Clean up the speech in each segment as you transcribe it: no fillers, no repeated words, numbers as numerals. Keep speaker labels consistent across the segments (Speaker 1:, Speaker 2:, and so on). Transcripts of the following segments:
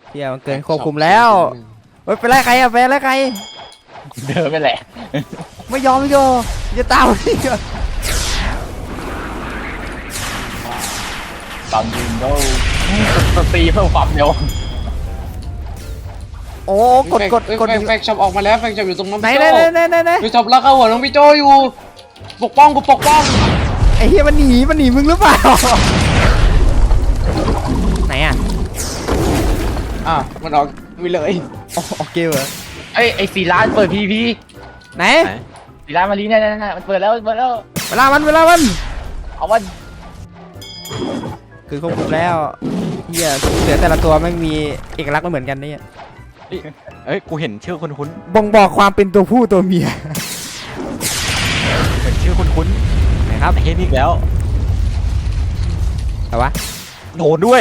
Speaker 1: เที่ยมันเกินควบคุมแล้วเฮ้ยไปไล่ใครอะไปไล่ใคร
Speaker 2: เดินไปแหละ
Speaker 1: ไม่ยอมไม่ยอมจะตามนี่
Speaker 2: ตอนยืนก็ตีเพิ่มความเร็ว
Speaker 1: โอ้กด
Speaker 3: แฟกช็อปออกมาแล้วแฟกช็อปอยู่ตรงน้อง
Speaker 1: ไหน
Speaker 3: พี่
Speaker 1: ไหน
Speaker 3: โจ
Speaker 1: ไหนไหนไหน
Speaker 3: แฟกช็อปแล้วเข้าหัวน้องพี่โจอยู่ปกป้องกูปกป้อง
Speaker 1: ไอ้เฮียมันหนีมึงหรือเปล่าไหนอะ
Speaker 3: มันออกไปเลย
Speaker 1: โอเคเหรอ
Speaker 2: ไอ้4 ล้านเปิดพีพี
Speaker 1: ไหน
Speaker 2: 4 ล้านมาลีเนี่ยมันเปิดแล้ว
Speaker 1: เวลามัน
Speaker 2: เอาวัน
Speaker 1: คือควบคุมแล้วเฮียเสือแต่ละตัวไม่มีเอกลักษณ์ไม่เหมือนกันนี่
Speaker 4: เอ้ยกูเห็นชื่อคุ้น
Speaker 1: บ่งบอกความเป็นตัวผู้ตัวเมีย
Speaker 4: ๆเห็นชื่อคุ้น
Speaker 1: นะครับ
Speaker 4: ๆเห็นอีกแล้ว
Speaker 1: แต่ว่า
Speaker 4: โดนด้วย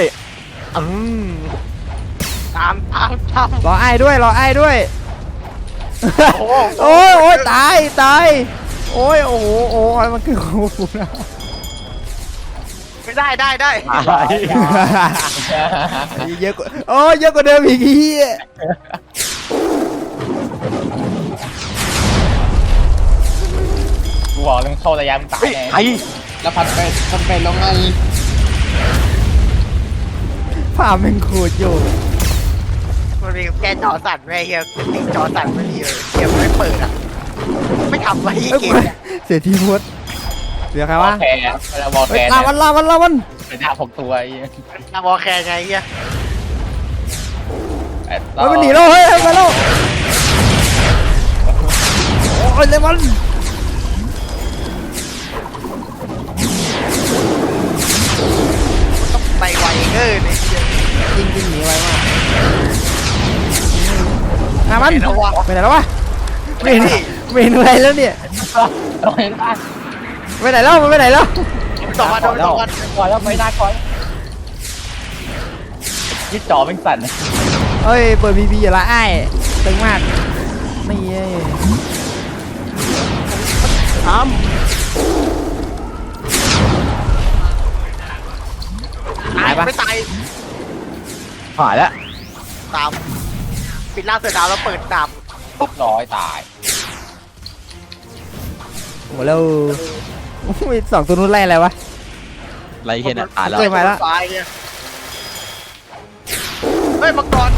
Speaker 2: ตาม
Speaker 1: รอไอ้ด้วยโอ้ยตายโอ้ยโอ้โหมันคือควบคุมแล้ว
Speaker 2: ไม่ได้
Speaker 1: เยอะกว่าเยอะกว่าเดิมอีกที
Speaker 2: กูบอกเลยเข้าระยะมันตาย
Speaker 4: เฮ้ย
Speaker 2: แน่
Speaker 4: ใคร
Speaker 3: แล้วพันไปแล้วไง
Speaker 1: ภาพมันโคตรโยก
Speaker 5: มันมีแกจอสั่นแม่เฮียติดจอสั่นไม่ดีเลยเฮียไม่เปิดอ่ะไม่ทำไว้เกมเนี่ย
Speaker 1: เสียทีโพสเสียใครวะ
Speaker 2: แคร์เวลาบอลแคร์
Speaker 1: ลาวัน
Speaker 2: เป็นดาบ6 ตัวไอ้
Speaker 5: นำวอลแคร์ไงเฮีย
Speaker 1: มันหนีแล้วเฮ้ยมาแล้วโอ้ยเลมอน
Speaker 5: ต้องไปไวเกินไอ้เฮีย
Speaker 1: ยิงหนีไวมากมันไปไหนแล้ววะไม่เห็นอะไรแล้วเนี่ย
Speaker 2: เราเห็นป่ะ
Speaker 1: ไปไหนแล้วมันไปไหนแล้ว
Speaker 5: ต่อมาโดนต่อมา
Speaker 2: ก่อนแล้วไม่ได้ก่อนยึดจ่อเป็นสั่น
Speaker 1: เฮ้ยเปิดบีอย่าละไอ้ตึงมากนี่เอ้ย
Speaker 5: ตายไม่ตาย
Speaker 4: หายแล้ว
Speaker 5: ตามปิดล่างเสือดาวแล้วเปิดดาบ
Speaker 2: ปุ๊บร้อยตาย
Speaker 1: โหแล้วมีสองตัวนู้นไล่อะไรวะ
Speaker 4: ไรเห็นอ่ะตายแล้ว
Speaker 1: เกิดมาแล้ว
Speaker 5: ตายเนี่ยเฮ้ยมังกร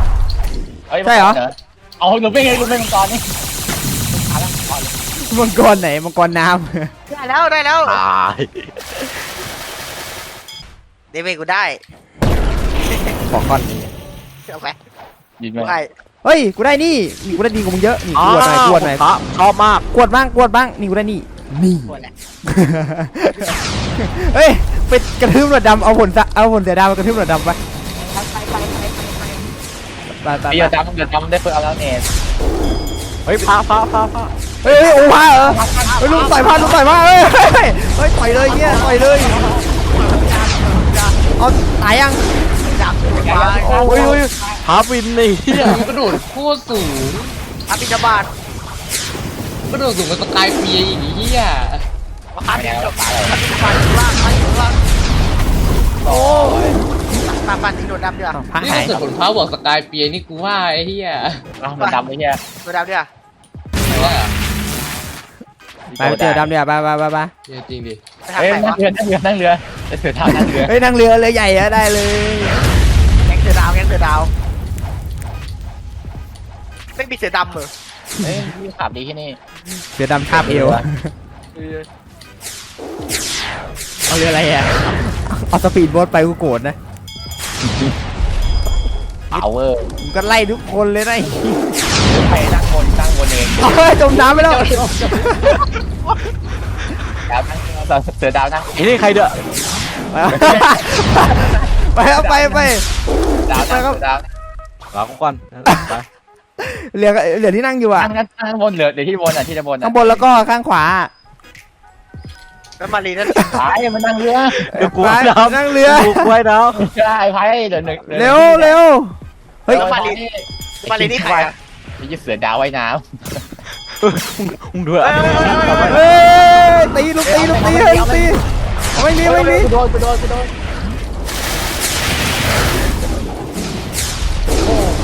Speaker 2: เอาหนูเป็นไงหนูเป็นมังกรนี่ตายแล้วก่อน
Speaker 1: มังกรไหนมังกรน้
Speaker 5: ได้แล้ว
Speaker 4: ตาย
Speaker 5: เดวิดกูได้
Speaker 1: ำบอกก่อน
Speaker 5: เอาไป
Speaker 2: ยิน
Speaker 5: กู
Speaker 2: ไหม
Speaker 5: ให้
Speaker 1: เฮ้ยกูได้นี่กูได้ดีกว่ามึงเยอะนี่กวดหน่อย
Speaker 4: ครับชอบมาก
Speaker 1: กวดบ้างนี่กูได้นี่
Speaker 5: หมดแหละ
Speaker 1: เฮ้ยไปกระทืบหนวดดำเอาผลเสียดาวมากระทืบหนวดดำไป
Speaker 2: เดี๋ยวจำได้เปิดเอาแล้วเนี่ย
Speaker 4: เฮ้ยพา
Speaker 1: เฮ้ยโอ้ผ้าเหรอเฮ้ยลุงใส่ผ้าเฮ้ยต่อยเลยเนี่ยต่อยเลยเอาตายยัง
Speaker 5: ดาบมา
Speaker 4: โอ้ยพาวินนี่เฮีย
Speaker 3: กระโดดโคตรสูง
Speaker 5: อาปิจบาท
Speaker 3: กระโดดสูงกว่าสกายเปียอย่างนี้อ่ะ
Speaker 5: อาปิจบาทอยู่ล่างโอ้ยตาปันทิ้งโดดดำเดือด
Speaker 1: ผ้า
Speaker 3: นี่
Speaker 1: หาย
Speaker 3: ถ้าเกิดผลพระบอกสกายเปียนี่กูว่าไอ้เหี้ย
Speaker 2: มันดำไอ้เหี้ย
Speaker 5: โดดดำเดือด
Speaker 1: ไปเจอดำเดี๋ยวไป
Speaker 3: จริงดิ
Speaker 5: ไปทาง
Speaker 2: เฮ้ย
Speaker 5: ไหน
Speaker 2: นั่ง
Speaker 5: วะ
Speaker 2: เรือจะเสือเท้านั่งเรือ
Speaker 1: เฮ้ยนั่งเรือใหญ่อะได้เลย
Speaker 5: แก๊งเสือดาวไม่มีเสือดำเหรอ
Speaker 2: เฮ้ยพี่ขับดีที่นี่
Speaker 1: เรือดำคาบเอวเอาเรืออะไรอะเอาสปีดโบ๊ทไปกูโกรธนะ
Speaker 2: power
Speaker 1: มึงก็ไล่ทุกคนเลยนะ
Speaker 2: ไปนั่งบนเอง
Speaker 1: เฮ้ยจมน้ำไปแล้ว
Speaker 2: ดาวนั่งเสือดาวนั่ง
Speaker 4: ไอ้นี่ใครเด้อ
Speaker 1: ไปเอาไป
Speaker 2: ดาวนั่งดาว
Speaker 4: รอกูก่อนไป
Speaker 1: เรือที่นั่งอยู่อะ
Speaker 2: นั่งบนเรือเดี๋ยวที่บนอ่ะที่จะบน
Speaker 1: ข้างบนแล้วก็ข้างขวา
Speaker 5: แล้วมารีนั่น
Speaker 2: พายมันนั่งเรือ
Speaker 4: เดี๋ยวกู
Speaker 1: ไป
Speaker 4: น้ำ
Speaker 1: นั่งเรือ
Speaker 4: กูไว้น้
Speaker 2: ใช่พายเดี๋ยวหนึ่ง
Speaker 1: เร็วเฮ้ย
Speaker 5: มารีนี่ใครอ่ะ
Speaker 2: นี่เสือดาวว่ายน้
Speaker 4: ำมึงด้วย
Speaker 1: เฮ้ยตีลูกตีไม่มี
Speaker 2: ำโดน
Speaker 1: เ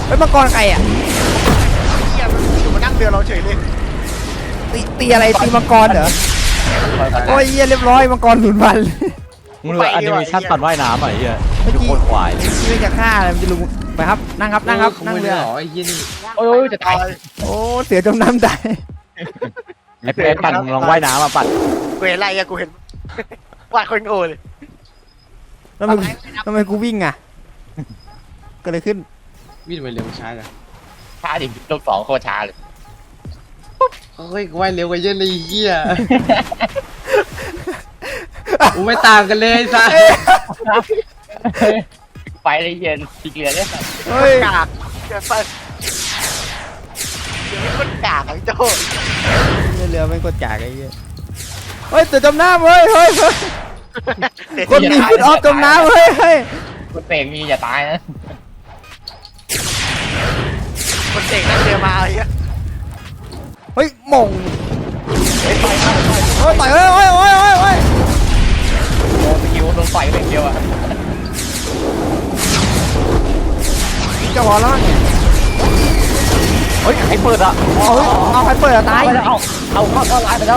Speaker 1: เฮ้ยมังกรใครอ่ะ
Speaker 5: เฮียมันอยู่มานั่งเรือเราเฉยเลย
Speaker 1: ตีอะไรตีมังกรเหรอโอ้ยเหี้ยเรียบร้อยมังกรสูญพันธุ์
Speaker 4: มึงดูแอนิเมชั่นตอนว่ายน้ำอ่ะไอ้เหี้ย
Speaker 1: เมื่อ
Speaker 4: ดู
Speaker 1: กี้
Speaker 4: โคตรควาย
Speaker 1: เรื่องจะฆ่าอะไรมันจะลุงไปครับนั่งครับนั่งครับ
Speaker 3: ข
Speaker 1: นั่ง
Speaker 3: โมย
Speaker 1: เรือ
Speaker 3: เหรอไอ้เหี้ยนี่
Speaker 2: โอ้ยจะตาย
Speaker 1: โอ้เสือจมน้ำตาย
Speaker 4: ไอ้เป๊ะปั่นมึงลองว่ายน้ำอ่ะปั่น
Speaker 5: กูเห็นอะไรอะกูเห็น วาดคนโง่เลย
Speaker 1: ทำไมกูวิ่งอ่ะก็เลยขึ้น
Speaker 3: วิ่งไปเร็วช้าจัง
Speaker 2: ช้าดิลูกสองโคตรช้าเลย
Speaker 3: เฮ้ยกูว่ายเร็วกว่าเยอะเลยไอ้เหี้ยกูไม่ต่างกันเลยไอ้สัส
Speaker 2: ไฟเลยเย็นสีเกลือเนี่ย
Speaker 1: เฮ้ย
Speaker 5: กากเดี๋ยวไปเดี๋ยวมันกากอะพี่โจ้
Speaker 1: เรือไม่กดจากไอ้เหี้ยเฮ้ยเสือจมน้ำเฮ้ยคนมีฟุตออฟจมน้ำเฮ้ย
Speaker 2: คุณเสกมีอย่าตายนะ
Speaker 5: คนเด็กนั่งเรือมาไอ้เหี้ย
Speaker 1: เฮ้ยหม่ง
Speaker 2: เฮ้ยไฟเข้าไฟ
Speaker 1: เฮ้ยต่อยเฮ้ย
Speaker 2: โดนสกิลโดนไฟไปเดียวอ่ะ
Speaker 1: จะพอแล้วมั้ง
Speaker 4: เฮ้ยใครเปิดอ่ะ
Speaker 1: เอาใครเปิดอะตาย
Speaker 2: เอาเข้าร้านไปแล้ว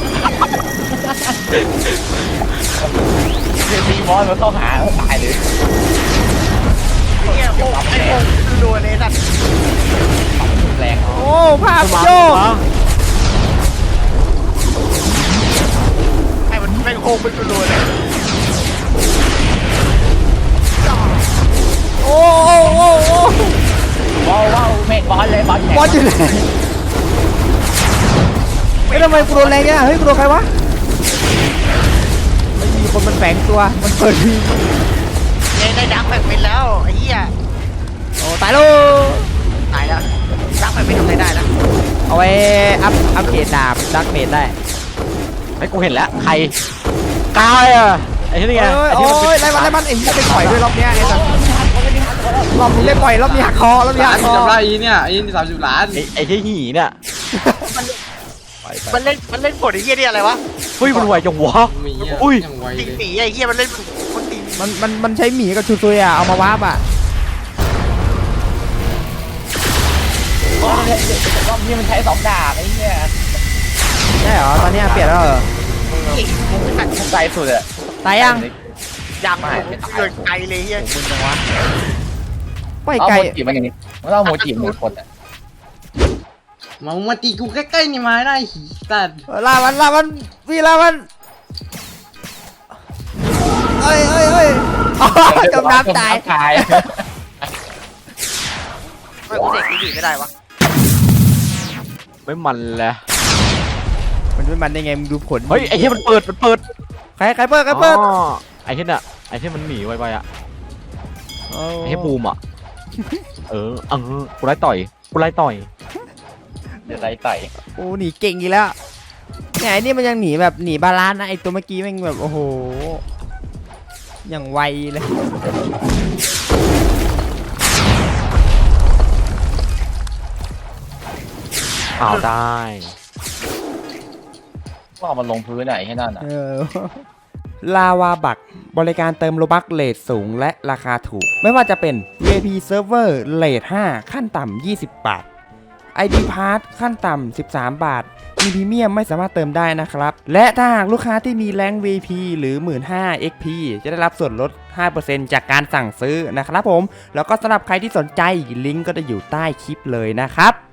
Speaker 2: เดี๋ยวมีบอลมาเข้าหาตายเลย
Speaker 5: เฮียโอ้ไอ้โง่รัวเลยสัตว์
Speaker 2: แรง
Speaker 1: โอ้ภาพโยก
Speaker 5: ไอ้มันแม่งโค้งเป็นรัวเลย
Speaker 1: โอ้
Speaker 2: ว้าวเมฆบอลเลยบอลแข็ง
Speaker 1: บอลอยู่ไหนเฮ้ยทำไมกูโดนแรงเนี่ยเฮ้ยกูโดนใครวะไม่มีคนมันแฝงตัวมันเปิดที
Speaker 5: เนี่ยได้ดักแบกเป็นแล้วไอ้เหี้ย
Speaker 1: โอ้ตายแล้ว
Speaker 5: ตายแล้วดักแบกเป็นทำอะไรได้นะ
Speaker 1: เอาไว้อัพเกรดดาบดักเมดได้
Speaker 4: ไอ้กูเห็นแล้วใครกายอ่ะไอ้ที่นี่ไง
Speaker 1: โอ้
Speaker 4: ไอ้
Speaker 1: ย
Speaker 4: ที่มันเป็น
Speaker 1: ไล่มันไอ้เหี้ยไปปล่อยด้วยรอบเนี้ยไอ้สัสรอบนี้ได้ปล่อยรอบนี้หักคอรอบนี้หักคอ
Speaker 3: 30 ล้านอีเนี่ยไอ้นี่30 ล้าน
Speaker 4: ไอ้ที่หีเนี่ย
Speaker 5: มันเล่นผลไอ้เหี้ยนี่อะไรวะ
Speaker 4: เฮ้ยมันไวจังวะ
Speaker 3: มีอ่ะ
Speaker 4: อุ้ย
Speaker 3: ยังไว
Speaker 5: ตี
Speaker 3: เลย
Speaker 5: ตีไอ้เหี้ยมันเล่นมันตี
Speaker 1: มันใช้หมีกับชูซุยอ่ะเอามาวาร์ปอ่ะ
Speaker 2: รอบนี้มันใช้2 ดาบไอ้เหี้ย
Speaker 1: ใช่เหรอตอนนี้เปลี่ยนแล้วเหรอ
Speaker 2: มันใจสุดอะ
Speaker 1: ตายยัง
Speaker 5: ยังเกินไกลเลยเหี้ย
Speaker 2: มึงจังวะ
Speaker 1: ไป
Speaker 2: เอา
Speaker 1: ไกล
Speaker 2: โมจิมันอย่างนี้มันเอาโมจิมันคนอะ
Speaker 3: มาตีกูใกล้ๆนี่มาได้หีสัตว์
Speaker 1: ลามันพี่ลามันเอ้ยอ๋อจมน้ำตาย
Speaker 2: ตาย
Speaker 5: ไม่กูเด็กดีไม่ได้วะ
Speaker 4: ไม่มันเลย
Speaker 1: มันไม่มันได้ไงมึงดูผล
Speaker 4: เฮ้ยไอ้ที่มันเปิด
Speaker 1: ใครเปิด
Speaker 4: อ๋อไอ้ที่น่ะไอ้ที่มันหนีไวๆอ่ะ
Speaker 1: โอ้
Speaker 4: ไอ้ที่บูมอ่ะกูไล่ต่อย
Speaker 2: เดี๋ยวไรไต่
Speaker 1: โอ้หนีเก่งอีกแล้วเนี่ยไอ้นี่มันยังหนีแบบหนีบาลานซ์นะไอ้ตัวเมื่อกี้แม่งแบบโอ้โหอย่างไวเลย
Speaker 4: อ้าวได้
Speaker 2: ก็เอามันลงพื้นไหนให้นั่นอะ
Speaker 1: ลาวาบักบริการเติมโลบักเลทสูงและราคาถูก ไม่ว่าจะเป็น VIP Server เลท5ขั้นต่ำ20 บาท ID Pass ขั้นต่ำ13 บาท มีพรีเมียมไม่สามารถเติมได้นะครับ และถ้าหากลูกค้าที่มีแรง VIP หรือ 15,000 XP จะได้รับส่วนลด 5% จากการสั่งซื้อนะครับผม แล้วก็สำหรับใครที่สนใจลิงก์ก็จะอยู่ใต้คลิปเลยนะครับ